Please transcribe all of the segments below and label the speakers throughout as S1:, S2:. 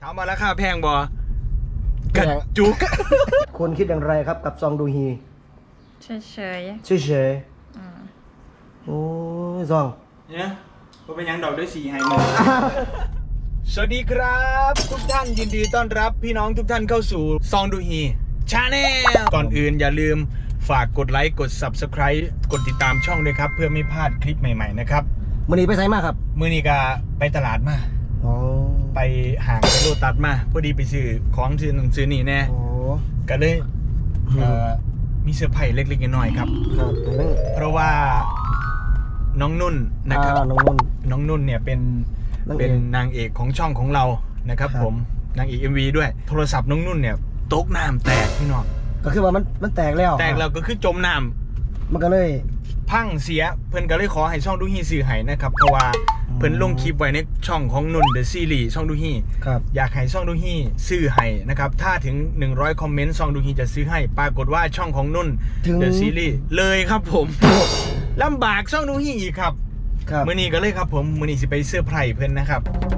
S1: ถามมาราคาแพงบ่กระจุก
S2: คุณคิดอย่างไรครับกับซองดูฮี
S3: เฉย
S2: เฉยโอ้ยซอง
S1: เนี่ยก็เป็นยังดอกด้วยสีไฮมือ สวัสดีครับทุกท่านยินดีต้อนรับพี่น้องทุกท่านเข้าสู่ซองดูฮีชาแนลก่อนอื่นอย่าลืมฝากกดไลค์กด Subscribe กดติดตามช่องด้วยครับเพื่อไม่พลาดคลิปใหม่ๆนะครับ
S2: มื้อนี้ไปไสมาครับ
S1: มื้อนี้ก็ไปตลาดมาไปห่างไปโลตัสมาพอดีไปซื้อของซื้อหนังสือนี่แน่ก็เลยมีเซอร์ไพรส์เล็กๆน้อยๆครับเพราะว่าน้องนุ่นนะครับน้องนุ่นเนี่ยเป็นนางเอกของช่องของเรานะครับผมนางเอก MV ด้วยโทรศัพท์น้องนุ่นเนี่ยตกน้ำแตกพี่น้อง
S2: ก็คือว่ามันแตกแล้ว
S1: ก็คือจมน้ำ
S2: มันก็เลย
S1: พังเสียเพื่อนก็เลยขอให้ช่องดูฮีสื่อให้นะครับเพราะว่าเพื่อนลงคลิปไว้ในช่องของนุ่นเดอะซีรีส์ช่องดูฮีอยากให้ช่องดูฮีซื้อให้นะครับถ้าถึง100คอมเมนต์ช่องดูฮีจะซื้อให้ปรากฏว่าช่องของนุ่นเดอะซีรีส์เลยครับผมลำบากช่องดูฮีอีกครับมื้อนี้ก็เลยครับผมมื้อนี้สิไปเซอร์ไพรส์เพื่อนนะครับ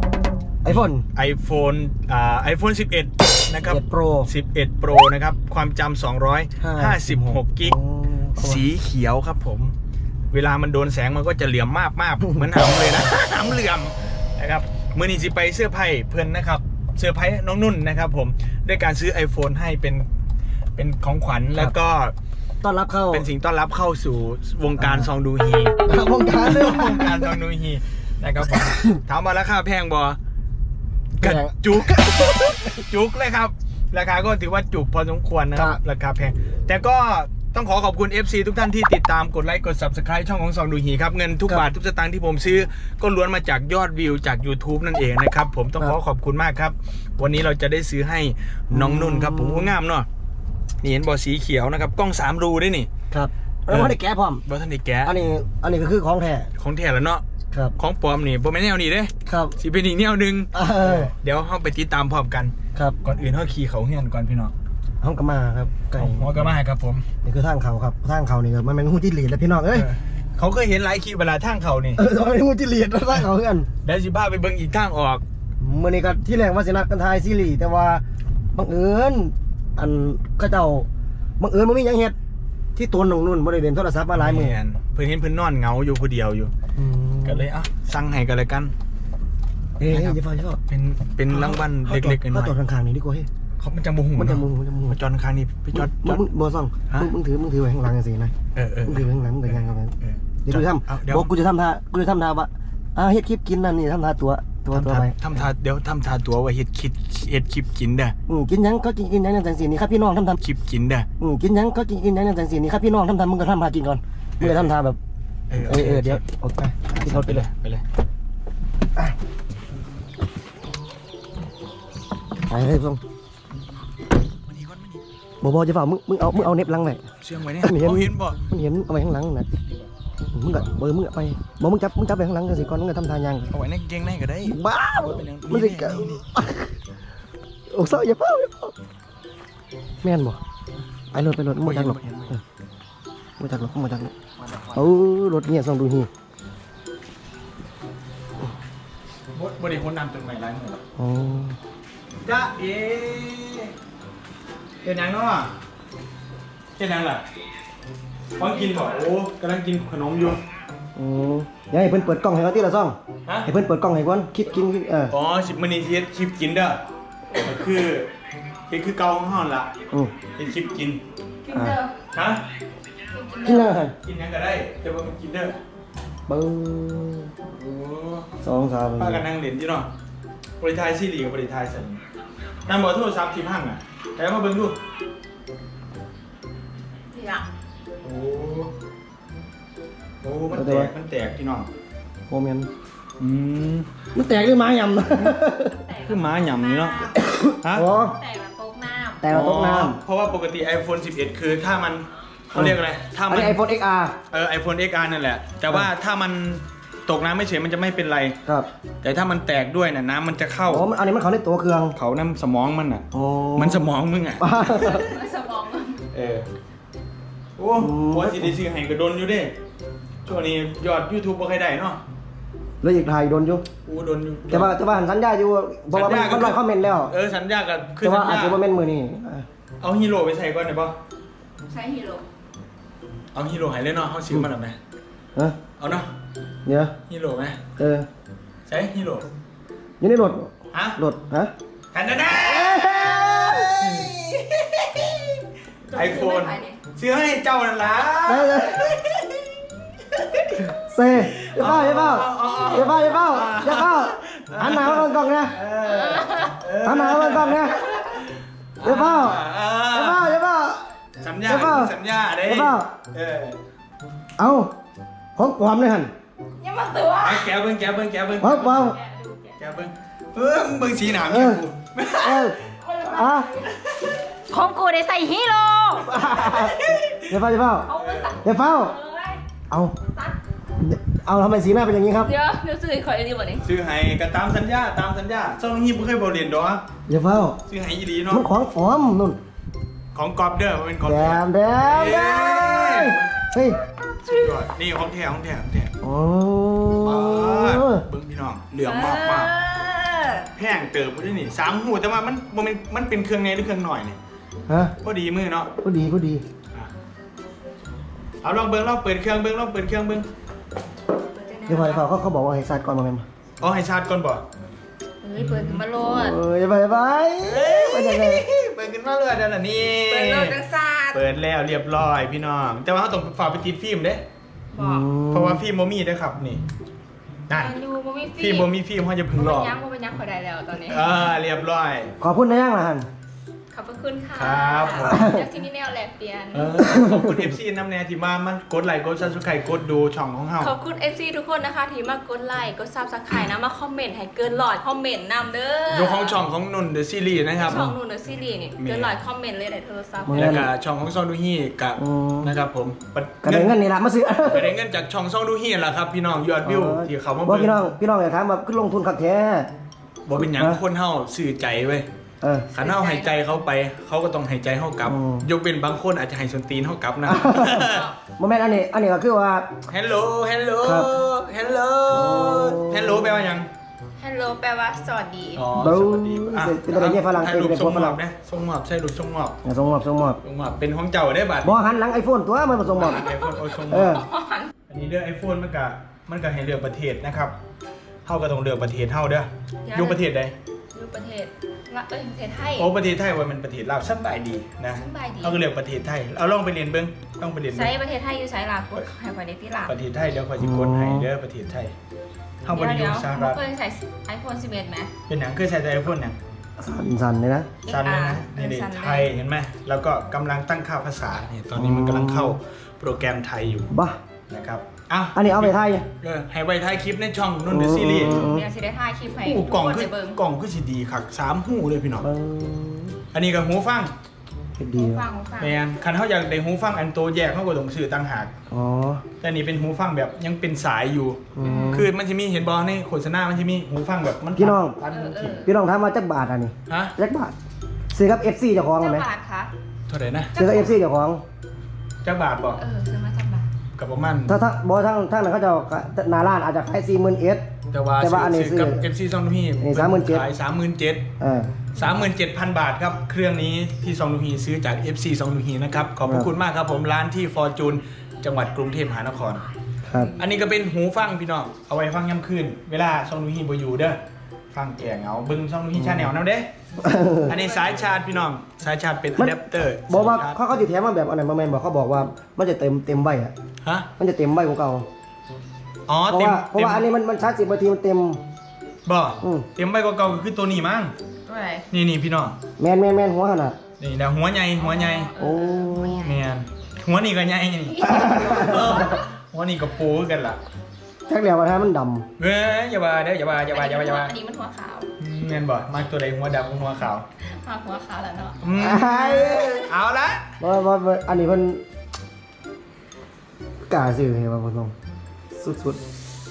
S1: iPhone 11นะครับ11 Pro นะครับความจำ256กิกสีเขียวครับผมเวลามันโดนแสงมันก็จะเหลี่ยมมากเหมือนหำเลยนะ หำเหลี่ยมนะครับมื้อนี้สิไปเซอร์ไพรส์เพื่อนนะครับเซอร์ไพรส์น้องนุ่นนะครับผมด้วยการซื้อ iPhone ให้เป็นของขวัญแล้วก็
S2: ต้อนรับเข้า
S1: เป็นสิ่งต้อนรับเข้าสู่วงการซองดูฮี
S2: วงการ
S1: ซองดูฮีนะครับผมถามมาราคาแพงบ่กระจุกเลยครับราคาก็ถือว่าจุกพอสมควรนะครับราคาแพงแต่ก็ต้องขอบคุณ FC ทุกท่านที่ติดตามกดไลค์กด Subscribe ช่องของซองดูฮีครับเงินทุกบาททุกสตางค์ที่ผมซื้อก็ล้วนมาจากยอดวิวจาก YouTube นั่นเองนะครับผมต้องขอบคุณมากครับวันนี้เราจะได้ซื้อให้น้องนุ่นครับผมก็งามเนาะนี่เห็นบอสีเขียวนะครับกล้อง3รูด้วยนี่
S2: ครับแล้วท่านได้แกะพร้อม
S1: ท่านได้แกะ
S2: อันนี้ก็คือของแท้
S1: แล้วเนาะของปลอมนี่ผมไม่แนวนี้เด้
S2: ครับ
S1: สิเป็นอีกแนวนึงเดี๋ยวเราไปติดตามพร้อมกัน
S2: ครับ
S1: ก่อนอื่นเราขี่เขาเฮียนก่อนพี่น้อง
S2: ห้องกระมาครับไก่
S1: ห้องกระมาครับผม
S2: นี่คือทางเขาครับทางเขานี่ก็มันเป็นหูจิ้งหรีดแล้วพี่น้องเอ้ย
S1: เขาเคยเห็นหลายคลิปเวลาทางเขานี่
S2: มันเป็นหูจิ้งหรีดทางเขาเพื่อน
S1: เดี๋ยวสิพาไปเบิ่งอีกทางออก
S2: เมื่อนี้ก็ที่แรกว่าสินัดกันทายซีรีส์แต่ว่าบังเอิญอันก็เจ้าบังเอิญมันมีอย่างเฮ็ดที่ตัวน้องนุ่นบริเวณโทรศัพท์มาหลายมือ
S1: เพื่อนเห็นเพื่อนนอนเหงาอยู่คนเดียวอยู่ก็เลยสั่งให้กันเลยกัน
S2: อย่าฟัง
S1: เป็นรางวัลเล็กๆน้อยๆ
S2: จอดข้างๆนี่ดีกว่าเฮ้ย
S1: มันจะมูหูมาจอดข้างนี้ไปจอด
S2: บอซ่องมึงถือไว้ข้างหลังสินะมึงถือไว้ข้างหลังมึงแต่งงานกันเดี๋ยวกูจะทำบอกกูจะทำท่าว่าเฮ็ดคลิปกินนั่นนี่ทำท่าตัวไป
S1: ทำท่าเดี๋ยวทำท่าตัวว่าเฮ็ดคลิปกินเด้อ
S2: กินยังก็กินยังจังสีนี่ครับพี่น้องทำ
S1: คลิปกินเด้อ
S2: กินยังก็กินยังจังสีนี่ครับพี่น้องทำมึงก็ทำท่ากินก่อนมึงก็ทำท่าแบบเดี๋ยวโอเคกินรถไปเลยไปเลยส่งบอจะฝ่ามึงเอาเน็บหลังไว้
S1: เชื่องไว้เนี่ยเขาเห็นบ่
S2: มันเห็นเอาไว้ข้างหลังนะมึงก็มึงไปมึงจับไปข้างหลังกันสิก่อนมึงก็ทำทางยัง
S1: เอาไว้ในเกงในก็ได้
S2: บ้ามึงสิโอ้เศร้าอย่าเฝ้าแม่นบ่ไปรถมึงจักหรอกมึงจักหรอกรถเนี่ยส่องดูฮี
S1: บริคนนำจนใหม่ร้านหมด
S2: อ๋อ
S1: จ้าเป็นยังเนาะเป็นยังล่ะป้อนกินบ่โอ้กำลังกินขนมอยู่
S2: เดี๋ยวให้เพิ่นเปิดกล้องให้ก่อนที่ละซ่องให้เพิ่นเปิดกล้องให้ก่อนคลิปกิน
S1: อ๋อ10มื้อนี้สิเฮ็ดคลิปกินเด้อคือเก่าของเฮาล่ะเฮ็ดคลิปกิน
S3: เด้อ
S1: ฮะ
S2: กินยังไง
S1: กินยังก็ได้แต่ว่ากินเด้อ
S2: โอ้2-3
S1: ป้ากันนั่งเล่นอยู่เนาะบริทายซีรีส์กับบริทายสั่นนำบ่โทรศัพท์ที่พังแต่มาเบิ่งดูโอ้มันแตกพี่น้อง
S2: โมเมนมันแตกหรือม้าย
S1: ำคือม้ายำนี่เนาะ
S3: ฮะแตกแบบ
S2: ตกน้ำ
S1: เพราะว่าปกติ iPhone 11คือถ้ามันเขาเรียกอะไรถ้ามัน
S2: iPhone XR
S1: iPhone XR นั่นแหละแต่ว่าถ้ามันตกน้ำไม่เฉยมันจะไม่เป็นไร
S2: ครับ
S1: แต่ถ้ามันแตกด้วยน่ะน้ำมันจะเข้า
S2: อันนี้มันเขาในตัวเครื่อง
S1: เขาน้ำสมองมันอ่ะมันสมองมึงอ่ะ
S3: สมอง
S1: โอ้ว่าสิได้ซื้อให้กระโดนอยู่เด้ช่วงนี้ยอด YouTube บ่ค่อยได้เนาะ
S2: แล้วอีกถ่ายโดนอยู่
S1: กูโดน
S2: แต่ว่าหันสัญญาอยู่เพราะว่ามันร้อยคอมเมนต์แล้ว
S1: สัญญากันคือ
S2: แต่ว่า
S1: สัญ
S2: อาจ
S1: ญา
S2: จะมาเป็นมือนี่
S1: เอาฮีโร่ไปใส่ก่อนได้ป่ะ
S3: ใช้ฮีโร่
S1: เอาฮีโร่หายเลยเนาะเขาซื้อมาหรือไง
S2: ฮะ
S1: เอาเนาะ
S2: เดี๋ยว
S1: ฮีโร่ไหม ใช้ฮีโร่
S2: อยู่ในรถ
S1: ฮะ
S2: รถฮะ
S1: หันหน้าไอโฟนซื้อให้เจ้านั่นล่ะ
S2: เซ่อย่าเฝ้าหันหน้ามาก่อนนะหันหน้ามาก่อนนะอย่าเฝ้า
S1: สัญญาเด้
S2: เอาของปลอมเลยหัน
S3: ยังมาตัว
S1: ไอ้แกเบิ้ง
S2: ของปลอม
S1: แกเบิ้งเบิ้งสีหนามอยู่
S3: ของกูได้ใส่ฮีโร่
S2: อย่าเฝ้า เอาทำไมสีหน้าเป็นอย่างนี้ครับ
S3: เดี๋ยวซื้อคอยดีกว่านี้
S1: ซื้อให้ก็ตามสัญญาซ่องฮีบ่เคยบ่เรียนดอก
S2: อย่าเฝ้า
S1: ซื้อให้อีหลีเนาะ
S2: มันของปลอมนู่น
S1: ของกอบเด้อมันเป็นของ
S2: แด
S1: แท้
S2: มเฮ้ย
S1: สุดยอดนี่ของแท้
S2: โอ้
S1: เบิ้งพี่น้องเหลืองมากแพงเติบด้วยนี่3หูแต่ว่ามันเป็นเครื่องในหรือเครื่องหน่อยนี่
S2: ฮะ
S1: พอดีมือเนาะ
S2: ก็ดี
S1: เอาลองเปิดเครื่องเบิ้ง
S2: เดี๋ยวพอเขาบอกว่าให้ซัดก่อนมาแม่มา
S1: เอาให้ชาร์จก่อนบ่
S3: เปิดขึ้นมาโลด
S2: อย่าไปยังไง
S1: เปิดขึ้นมาเลยเดี๋ยวนี้
S3: เปิดโลดจังซาด
S1: เปิดแล้วเรียบร้อยพี่น้องแต่ว่าเขาต้องฝากไปติดฟิล์มเด้
S3: บอก
S1: เพราะว่าฟิล์มบ่มีเด้อครับนี่นั่น
S3: ดูบ่มี
S1: ฟิล์มบ่มีฟิล์มเขาจะพึ่งหลอก
S3: บ่เป็นยักษ์พอได้แล้วตอนนี้
S1: เรียบร้อย
S2: ขอพูดนะยังล่ะฮัน
S3: ขอบพระคุณค่ะ
S1: ครับผม
S3: เดี๋ยวที่นี่แนวแลกเปลี่ยน
S1: ขอบคุณ FC น้ำแน่ที่มันกดไลค์กด Subscribe กดดูช่องของเฮา
S3: ขอบคุณ FC ทุกคนนะคะที่มากดไลค์กดซับสไครต์นะมาคอมเมนต์ให้เกิน100คอมเมนต์นำเด้อ
S1: ยกของช่องของนุ่นเดอะซีรีส์นะครับ
S3: ช่องนู่นเดอะซีรีส์นี่เกิน100คอมเมนต์เลยในโทรศัพท์
S1: แล้วก็ช่องของซองดูฮีกับนะครับผม
S2: กระเด็นเงินนี่ละมาซื้อ
S1: ประเด็นเงินจากช่องซองดูฮีแหละครับพี่น้องยอดวิวที่เขามา
S2: ว่า
S1: เบิ่ง
S2: พี่น้องอย่าถามแบบขึ้นลงทุนขับแท้
S1: บ่เป็นหยังคนเฮาสื่อใจเว้ยขันเฮาหายใจเขาไปเขาก็ต้องหายใจเฮากลับยกเป็นบางคนอาจจะให้ส้นตีนเฮากลับนะ
S2: โมเมนต์อันนี้ก็คือว่า
S1: Hello แปลว่าหยัง
S3: ฮัลโหลแปลว่าสวัสดี
S1: อ๋อ
S2: เบา
S1: สวัสดี
S2: เป็นประเด็นที่ฝรั่ง
S1: ให้
S2: เป็น
S1: ลูก
S2: เป็น
S1: ส่ง
S2: ฝ
S1: มอ
S2: รั่
S1: บ
S2: ง
S1: นะส่งมอบใช่ลูกส่งมอบ
S2: ส่งมอบ
S1: ส่งมอบเป็นของเจ้าได้บัด
S2: บ่หันหลังไอโฟนตัวมันผสมมอบ
S1: ไอโฟนโอ้ส่งม
S2: เอ
S1: อ
S2: อบ
S1: อันนี้เรื่องไอโฟนมันก็ให้เลือกประเทศนะครับเฮาก็ต้องเลือกประเทศเฮาเด้ออยู่ประเทศใด
S3: อยู่ประเทศประเทศไทย
S1: โอ้ประเทศไทยว่ามันประเทศลาวสบายดีนะ
S3: สบายดี
S1: เขาก็เลือกประเทศไทยเอาลองไปเรียนเบิ้งต้องไปเรียน
S3: ใช้
S1: เบิ้ง
S3: ประเทศไทยอยู่ใช้ลาวกดให้ไว้ในที่ลาว
S1: ประเทศไทยเดี๋ยวคอยสิกดให้เด้อประเทศไทยเฮาบ่ได้อยู่สหรัฐ
S3: เคยใส่ iPhone 11ไหม
S1: เป็นหยังเคยใช้ไอโฟนหยัง
S2: สั่นเลยนะ
S1: สั้นเลยนะนี่ดิ
S3: สั้นเลย
S1: ไทยเห็นไหมแล้วก็กำลังตั้งค่าภาษานี่ตอนนี้มันกำลังเข้าโปรแกรมไทยอยู่
S2: บ้า
S1: นะครับอ้าว
S2: อันนี้เอาไปไทย
S1: ให้ไว้ท้ายคลิปในช่องนุ่นเดอะซีรีส์
S3: เดี๋ยวสิได้ถ่ายคลิปให้
S1: หู
S3: ทุก
S1: กล่อง
S3: คน
S1: คือ
S3: ไปเบิ่ง
S1: กล่องคือสิดีคัก3หูเลยพี่น้อง
S2: เบิ้ง
S1: อันนี้ก็หูฟัง
S2: ดี
S3: ฟัง
S1: แม่นคันเฮาอยากได้หูฟังอันโตแยกเฮาก็ต้องซื้อต่างหาก
S2: อ๋อ
S1: แต่นี่เป็นหูฟังแบบยังเป็นสายอยู่ คือมันจะมีเห็นบอลในโฆษณามันจะมีหูฟังแบบมัน
S2: พี่น้อง
S1: ตัดหูทิ้ง
S2: พี่น้องถามว่าจักบาทอันนี้
S1: ฮะ
S2: จักบาทซื้อกับ FC เจ้าของ
S3: เจ้า
S2: ไหม
S3: บาทคะ
S1: เท่าไหร่นะ
S2: ซื้อกับ FC เจ้าของ
S1: จักบาทบ่
S3: ซื้อมาจากบาท
S1: กับประมาณ
S2: ถ้าบอทั้งนั้นเขาจะหนาร้านอาจจะขาย40,000เอส
S1: แต่ว่า
S2: แต่ว่าอันนี้
S1: ซื้อกับ
S2: ซื้อ
S1: FC ซองดูฮี
S2: อันนี้37,000
S1: ขาย 37,000 บาทครับ เครื่องนี้ที่ซองดูฮีซื้อจาก FC ซองดูฮีนะครับ ขอบพระคุณมากครับผมร้านที่ฟอร์จูนจังหวัดกรุงเทพมหานคร
S2: ครับ
S1: อันนี้ก็เป็นหูฟังพี่น้องเอาไว้ฟังย่ำคืนเวลาซองดูฮีบ่อยู่เด้อฟังแก่เหงาเบิ่งซองดูฮีชาแนลนำเด้ อันนี้สายชาร์จพี่น้องสายชาร์จเป็นอะแดปเตอร์
S2: บอกว่าเขาจะแถมมาแบบอันไหนมาแมนบอกเขาบอกว่ามันจะเต็มใบอ่ะ
S1: ฮะ
S2: มันจะเต็มใบของเก่า
S1: อ๋อ
S2: เพราะ
S1: เต็ม
S2: ว่าอันนี้มันชาร์จ10 นาทีมันเต็ม
S1: บ่
S2: อืม
S1: เต็มใบกว่าเก่าก็คือตัวนี้มั้ง
S3: ตัวไหน
S1: นี่พี่น้อง
S2: แมนหัวขนาด
S1: นี่นะหัวใหญ่
S2: โอ้
S1: แม่นหัวนี่ก็ใหญ่นี่เออหัวนี่ก็ปูคือกันล่ะ
S2: ชักแล้วว่าถ้ามันด
S1: เว้ยอย่าว่าเด้ออย่าว่า
S3: อันนี้มันหัวขาว
S1: แม่นบ่มักตัวใดหัวดำกับหัวขาว
S3: มาหัวขาวแล้วเนาะ
S2: ำ
S1: เอาละ
S2: ว่าอันนี้มันกล้าซื้อให้มาผมสุด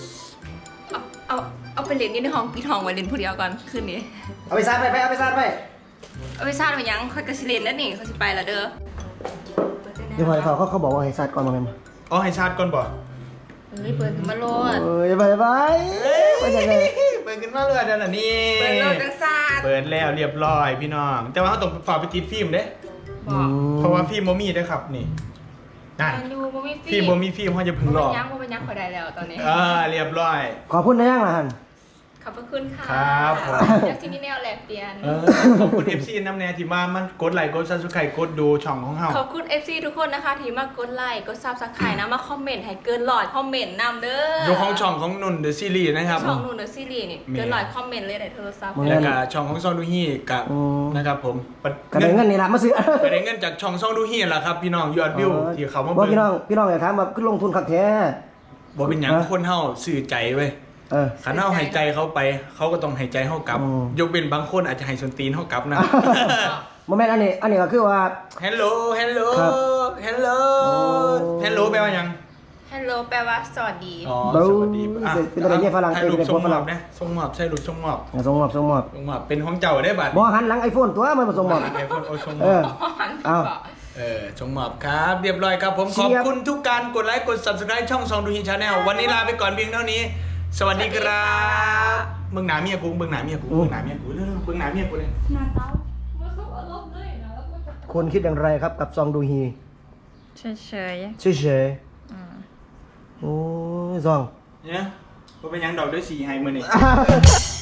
S3: เอาไปเล่นนี่ในห้องพี่ทองไว้เล่นผู้เดียวก่อนคืนนี้
S2: ๆเอาไปซัดไปเอาไปซัดไป
S3: เอาไปซาดไปยังค่อยกระสิเล่นแล้วนี่เขาสิไปละเด้อ
S2: เดี๋ยวพอเขาบอกว่าให้ซัดก่อนมาแมน
S1: อ๋อให้ชาร์จก่อนบ่
S3: เฮ้ยเปิดขึ้นมาโลด
S2: เอ้ยไปไปยังไง
S1: เปิดขึ้นมาเลยเดี๋ยวนี้
S3: เปิดโลดจังซาด
S1: เปิดแล้วเรียบร้อยพี่น้อง แต่ว่าเขาต้องฝากไปติดฟิล์มเด้
S3: บอก
S1: เพราะว่าฟิล์มโมมี่ด้วยครับนี่นั่น
S3: แมนยูบ่มี
S1: ฟิล์มโมมี่ฟิล์มเขาจะพึ่งหลอก
S3: บ่เป็นยังขอได้แล้วตอนนี้
S1: เรียบร้อย
S2: ขอพูดได้ยังล่ะฮัน
S3: ขอบพระคุณค่ะ
S1: ครับผม
S3: เดี๋ยวซีนี่แนวแลกเปลี่ยน
S1: ขอบคุณ FC น้ำแน่ที่มามันกดไลค์กดซับสไครต์กดดูช่องของเฮา
S3: ขอบคุณ FC ทุกคนนะคะที่มากดไลค์กดซับสไครต์นะมาคอมเมนต์ให้เกิน100คอมเมนต์นำเด้อ
S1: ดูของช่องของนุ่นเดอะซีรีส์นะครับ
S3: ช่องนู่นเดอะซีรีส์นี่เกิน100คอมเมนต์เลยในโทรศัพท์
S1: แล้วก็ช่องของซองดูฮี่กับนะครับผม
S2: กระเด็นเงินนี่ละมาซื้อ
S1: กระเด็นเงินจากช่องซองดูฮี่แหละครับพี่น้องยอดวิวที่เขามา
S2: ว่า
S1: เบิ่ง
S2: พี่น้องอย่าถามแบบขึ้นลงทุนคักแท้
S1: บ่เป็นหยังคนเฮาสื่อใจเว้ย ขันเฮาหายใจเขาไปเขาก็ต้องหายใจเฮากลับ ยกเป็นบางคนอาจจะให้ส้นตีนเฮากลับนะ
S2: โมเมนต์อันนี้ก็คือว่า
S1: Hello Hello
S2: ครับ
S1: Hello Hello แปลว่าหยัง
S3: ฮัลโหลแปลว่าสวัสดี
S1: อ๋อ
S2: เบ้า
S1: สวัสดี
S2: เป็นอะไรเนี่ยฝรั่ง
S1: ถ่ายรูป
S2: เป็น
S1: ส่ง
S2: ฝ
S1: ม
S2: รั่
S1: อง บนะส่งมอบใช่รูปส่งมอบ
S2: ส่งมอบ
S1: ส่งมอบเป็นของเจ้าได้บัด
S2: บ่หันหลังไอโฟนตัวมันมาส่งมอบ
S1: ไอโฟนโอส่งม
S2: เอ
S1: อ
S2: อ
S1: บ
S2: เอา
S1: ส่งมอบครับเรียบร้อยครับผม
S2: เชี
S1: ข
S2: ย
S1: อบบ คุณทุกการกดไลค์กด Subscribe ช่องซองดูฮีชาแนลวันนี้ลาไปก่อนเพียงเท่านี้ สวัสดีครับเบิ่งหน้าเมียกูเบิ่งหน้าเมียกูเบิ่งหน้าเมียกูเร็วๆเบิ่งหน้าเมียกูเลย
S3: หน้าเต้ามาสุกอารมณ์เลยนะแล้วก็จะ
S2: คนคิดอย่างไรครับกับซองดูฮี
S3: เฉย
S2: เฉยๆโอ้ยซอง
S1: เนี่ยบ่เป็นหยังดอกด้วยสีให้มื้อนี้